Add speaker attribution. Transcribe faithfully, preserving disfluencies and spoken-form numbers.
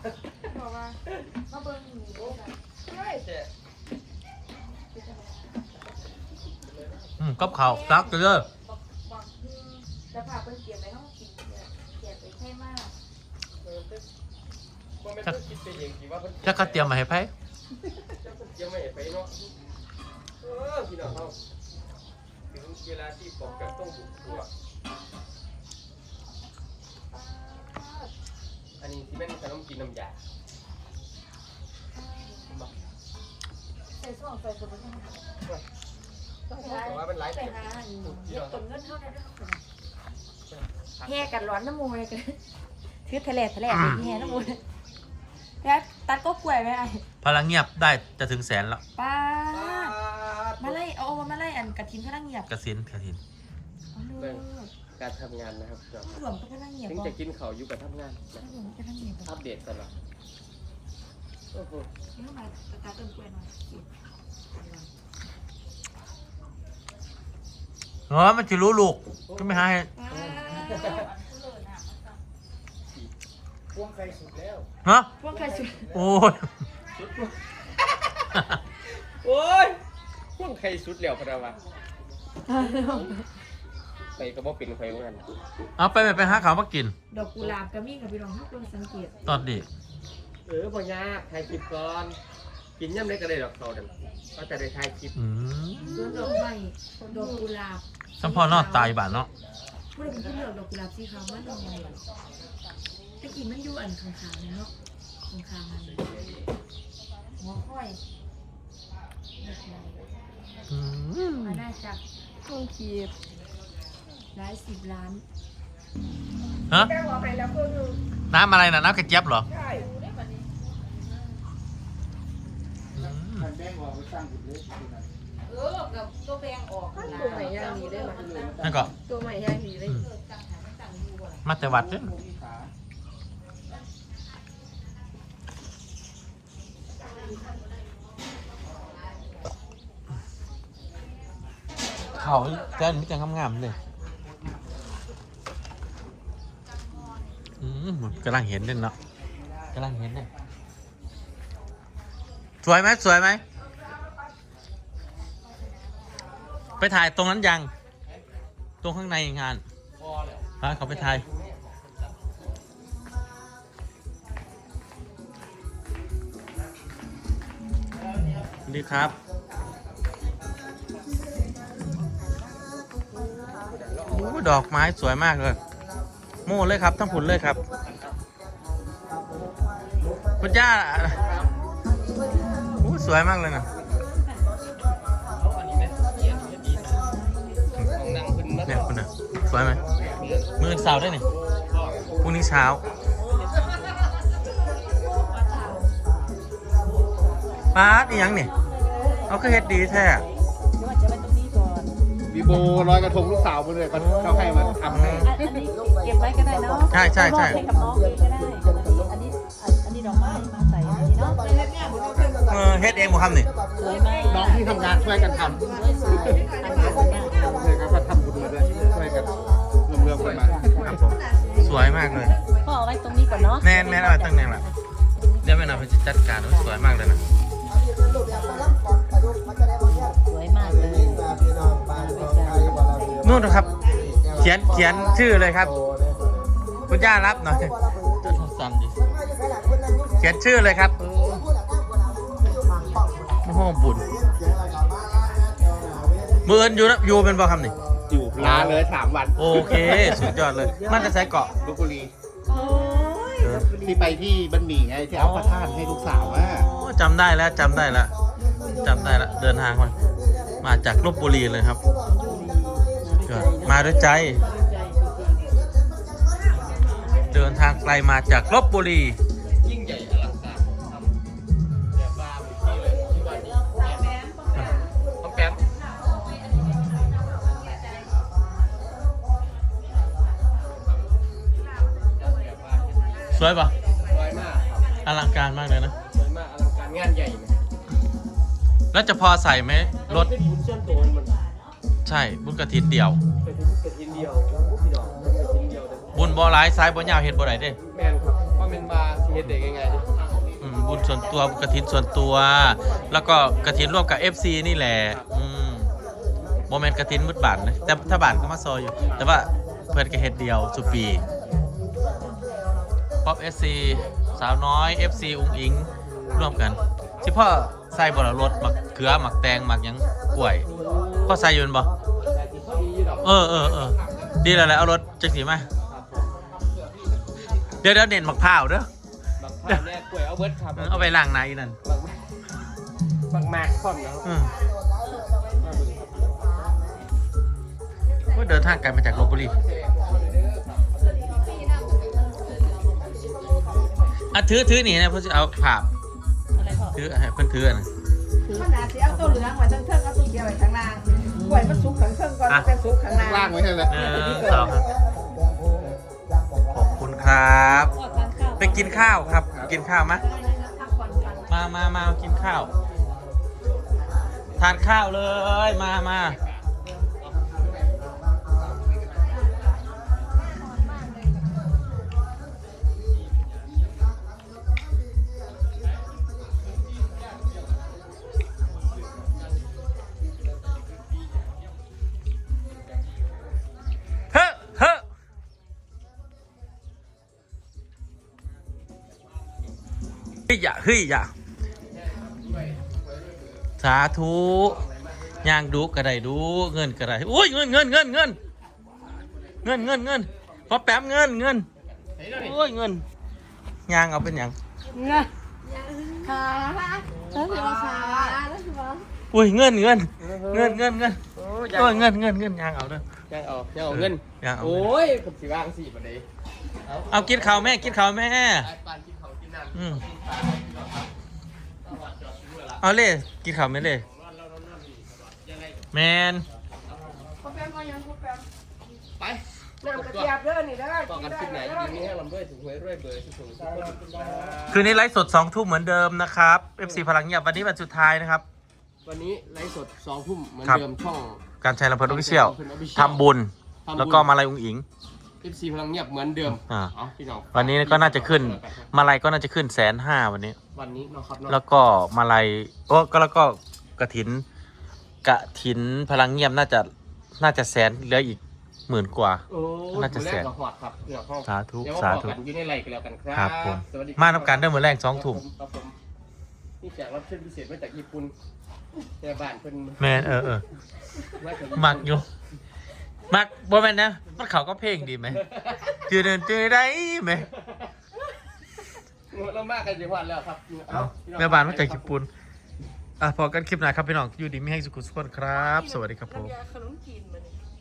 Speaker 1: บอกว่ามาเบิ้งหนีใช่แต่
Speaker 2: อืมกับข้าวซักเลย
Speaker 1: บอกจะพาเพิ่นเก็บไว้ห้องกินเก็บไปให้มาก
Speaker 2: จะกระเตรียมมาให้ไพ่
Speaker 3: เตรียมมาให้ไพ่เนาะเออพี่น้องเขาถึงเวลาที่ปอกกับต้องบุกตัวอันนี้ที่แม่นขนมกินน้ำยา
Speaker 1: ใส่ช่วงใส่คนไม่ใช่
Speaker 3: แต่ว่าเป็นหลาย
Speaker 1: ไป
Speaker 3: เก็บ
Speaker 1: หาเก็บต้นเงินเท่านั้นแห่กันร้อนน้ำมูเลยกันถือทะเลทะเลแห่น้ำมูเลยแล้วตัดก็กล้วยไหมไอ้
Speaker 2: พลังเงียบได้จะถึงแสนแล้ว
Speaker 1: ป้ามาไล่เอามาไล่อันกระถินพลังเงียบ
Speaker 2: กระสินกระถิน
Speaker 3: การทำงานนะครับ
Speaker 1: หลวงก็พลังเงียบ
Speaker 3: ถึงจะกินเขาอยู่กับทำงาน
Speaker 1: หลวงพลังเงียบ
Speaker 3: อัปเดตตลอดโอ้โห
Speaker 1: นี่มาตัดต้นกล้วยหน่อย
Speaker 2: เออมันจะรู้ลูกก็ไม่ให้
Speaker 3: พ่วงไข่สุดแล้ว
Speaker 2: ฮะ
Speaker 1: พ่วงไข่สุด
Speaker 2: โอ้ย
Speaker 3: โอ้ยพ่วงไข่สุดแล้วพะนะวะไปกระบอกเป็นไฟเหมือนกัน
Speaker 2: เอาไปไปหาข้าวมากิน
Speaker 1: ดอกกุหลาบกระมี่กับพี่รองทุกคนสังเกต
Speaker 2: ตอนดี
Speaker 3: เออพ่อยากถ่ายคลิปก่อนกินย่ำได้ก็ได้ดอกเขาเดิมก็จะได้ถ่ายคลิป
Speaker 1: ส่วนดอกไม้ดอกกุหลาบ
Speaker 2: สัมพอนอดตายบ้านเนาะ
Speaker 1: พูดถึงที่เลือกดอกกุหลาบสีขาวมันดอกไม้ตะกี้มันอยู่อันข้างๆเนาะข้างๆมันหัวค่อยมาได้จากห้องคีบหลายสิบล้าน
Speaker 2: ฮะน้ำอะไรนะน้ำกระเจี๊ยบเหรอ
Speaker 3: ใช่
Speaker 1: เออกับตัวแบงออกตัวใหม่ย่างนี้ได้ไหม
Speaker 2: นั่นก็
Speaker 1: ตัวใหม่ย่างนี้ได้
Speaker 2: มาแต่วัดเนี่ยเขาแก้มมิจังงามๆเลยอืมกำลังเห็นเลยเนาะกำลังเห็นเลยสวยไหมสวยไหมไปถ่ายตรงนั้นยังตรงข้างในงานพาเขาไปถ่ายดีครับโอ้ดอกไม้สวยมากเลยโม่เลยครับทั้งผุนเลยครับคุณย่าโอ้สวยมากเลยนะเนี่ยคุณน่ะสวยไหมมือเสาได้นี่พรุ่งนี้เช้าปาดอีหยังนี่เอาก็เฮ็ดดีแท้
Speaker 3: บีโบลอยกระทงลูกสาวมาเลยเขาให้มาทำให้
Speaker 1: อันนี้เก็บไว้ก็ได้เนาะ
Speaker 2: ใช่ใช่ใช่
Speaker 1: กับน้องเองก็ได้อันนี้อันนี้ดอกไม้มาใส่อันนี้เนาะ
Speaker 2: เออเฮ็ดเองหมดคำนี่
Speaker 1: สวยมาก
Speaker 3: น้องที่ทำงานช่วยกันทำเลยก็ทำบุญมาด้วยช่วยกันรวมๆกันมา
Speaker 2: ครับผมสวยมากเลย
Speaker 1: ก็เอาไว้ตรงนี้ก่อนเนาะ
Speaker 2: แน่นแน่นเอาตั้งแน่นละเดี๋ยวแม่นาไปจัดการสวยมากเลยนะ
Speaker 1: สวยมากเลย
Speaker 2: นู่นนะครับเขียนเขียนชื่อเลยครับคุณย่ารับหน่อยจะสั่นดิเขียนชื่อเลยครับโอ้โหบุญมือเอินอยู่นะอยู่เป็นบ่คำนี่
Speaker 3: อยู่ลาเลยสามวัน
Speaker 2: โอเคสุดยอดเลยมันจะใช้เกาะ
Speaker 3: ลพบุรีที่ไปที่บันหมี่ไงที่เอาพระธาตุให้ลูกสาวว่า
Speaker 2: จำได้แล้วจำได้แล้วจำได้แล้วเดินทางมามาจากลพบุรีเลยครับมาด้วยใจเดินทางไกลมาจากลพบุรี
Speaker 3: ยิ่งใหญ่อลังการแบบบ้าที่เลยที่วันนี้ต้องแป๊บ
Speaker 2: สวยปะ
Speaker 3: สวยมาก
Speaker 2: อลังการมากเลยนะ
Speaker 3: สวยมากอลังการงานใหญ่
Speaker 2: แล้วจะพอใส่ไหมรถ
Speaker 3: บุญเชื่อมตัวมัน
Speaker 2: ใช่บุญกระถินเดียว
Speaker 3: กระถินกระถินเดียวพี่น้องกระถินเดียว
Speaker 2: บุญบ่อหลายซ้ายบ่ยาวเห็ดบ่ไหนเด้
Speaker 3: แม่นครับเพราะเป็นบาร์ซีเฮ็ดเด็กยังไงดิ
Speaker 2: อืมบุญส่วนตัวกฐินส่วนตัว แล้วก็กฐินร่วมกับ เอฟ ซี นี่แหละอืมโมเมนต์กฐินมุดบานนะแต่ถ้าบานก็มาซอยอยู่ แต่ว่าเพื่อนก็เฮ็ดเดียวสุปีป๊อป เอส ซี สาวน้อย เอฟ ซี อุ้งอิงร่วมกันที่พ่อใส่บรรถหมักเกลือหมักแตงหมักหยังกล้วยพ่อใส่อยืนบ่
Speaker 3: แต่ที่เขาดีอยู่ดอก
Speaker 2: เออเออเออดีแล้วแหละเอารถจักสีมา
Speaker 3: ครับผม
Speaker 2: เดี๋ยวเดี๋ยวเน้นหมักพร้าวเด้อ
Speaker 3: บักผ่านเนี่ยกล้วยเอาเบิร์ดครับ
Speaker 2: เอาไปล้างในนั่น
Speaker 3: บักบักแม็กพร้อมนะครับ
Speaker 2: อืมว่าเดินทางไกลมาจากลพบุรีอ่ะถือถือหนีนะเพื่อจะเอาภาพ
Speaker 1: อะไรพอ
Speaker 2: ถือให้เพื่อนถือนะ
Speaker 4: มันอาจจะเอาตัวเหลืองไว้ทั้งเทิงเอาตัวเขียวไว้ข้างล่างกล้วยมันสุกข้างเทิงก่อนมันจะสุกข้างล่าง
Speaker 3: ล่างไว้ให้เลย
Speaker 2: หนึ่งสองขอบคุณครับ
Speaker 1: พอทานข้าว
Speaker 2: ไปกินข้าวครับ กินข้าวมะ
Speaker 1: พักผ่อนกัน
Speaker 2: มามามากินข้าว ทานข้าวเลย มามาเฮ้อเฮ้อเฮ้ยอย่าเฮ้ยอย่าสาธุย่างดูกระไดดูเงินกระไดอุ้ยเงินเงินเงินเงินเงินเงินเงินพอแป๊บเงินเงินโอ้ยเงินย่างเอาเป็นอย่าง
Speaker 4: เงาขาแล้วสิว่าขาแล้วสิว่า
Speaker 2: อุ้ยเงินเงินเงินเงินเงินโอ้ยเงินเงินเงินย่างเอาเด้อ
Speaker 3: ยังเอายังเอาเงิน
Speaker 2: ย่างเอา
Speaker 3: โอ้ยผมสิวางสี่ประเดี๋ยว
Speaker 2: เอากินข้าวแม่กินข้าวแม่
Speaker 3: ไอ้ปานกินเขากินน้ำ
Speaker 2: อืม
Speaker 3: กินปลากินหลอดครับเอาวัดจอดซื้อละ
Speaker 2: เอาเลยกินข้าวไหมเลย
Speaker 3: นอนแล้วนอนนอนนี่ตลอดยังไง
Speaker 2: แมน
Speaker 4: พ่อแป๊มมายังพ่อแป๊ม
Speaker 3: ไป
Speaker 4: น้ำกระเทียมเด้อนี่เด้อ
Speaker 3: ต่อ
Speaker 4: กิน
Speaker 3: กัน
Speaker 4: ได้
Speaker 3: คลิปไหน
Speaker 4: เด้
Speaker 3: ดี
Speaker 4: อ
Speaker 3: นี้ให้ลำด้วยถึงหวยด้วยเบอร์สุดสูงทุกคน
Speaker 2: คืนนี้ไลฟ์สดสองทุ่มเหมือนเดิมนะครับ เอฟ ซี พลังเงียบวันนี้วันสุดท้ายนะครับ
Speaker 3: วันนี้ไลฟ์สดสองทุ่มเหมือน
Speaker 2: ครับ
Speaker 3: เดิมช่อง
Speaker 2: การใช้ลำเพลินออฟฟิเชียล
Speaker 3: การใช้ลำเพลิน Official
Speaker 2: ทำบุญ
Speaker 3: ทำบุญ
Speaker 2: แล้วก็มาลายอุ้งอิง
Speaker 3: เอฟซีพลังเงียบเหมือนเดิม
Speaker 2: อ่า
Speaker 3: เอาพี่น้อง
Speaker 2: วันนี้ก็น่าจะขึ้น มาลายก็น่าจะขึ้นแสนห้าวันนี้
Speaker 3: วันนี้เนาะครับเนาะ
Speaker 2: แล้วก็มาลายโอ้ก็แล้วก็กระถินกระถินพลังเงียบน่าจะน่าจะแสนเหลืออีกหมื่นกว่า
Speaker 3: โอ้
Speaker 2: น่าจะแสน
Speaker 3: มื้อรกกับหอดครับเดี๋ยวห้อง
Speaker 2: สาธุ
Speaker 3: เดี๋ยว
Speaker 2: สา
Speaker 3: มา
Speaker 2: ธุ
Speaker 3: บอกกันอยู่ในไลน์กันแล้วกันครับ
Speaker 2: ครับผม
Speaker 3: สวัสดีครับ
Speaker 2: มาทำการเดิมเหมือนแรงสองทุ่ม
Speaker 3: ครับผมนี่แขกรับเชิญพิเศษมาจากญี่ปุ่นแต่บ้านเพิ่น
Speaker 2: แมนเออเออ
Speaker 3: มาจากญี่ปุ่น
Speaker 2: มักอยู่ มักบ่แม่นนะ มันเขาก็เพลงดีไหมจืดเดินจืดได้ไหม
Speaker 3: เรามากกันจังหวัดแล้วครับ
Speaker 2: เอาแม่บ้านมาจากญี่ปุ่นอ่ะพอกันคลิปหน้าครับพี่น้องอยู่ดีไม่ให้สุขุสุขคนครับ สวัสดีครับผม
Speaker 4: น้ำยาขนมจีนมานี่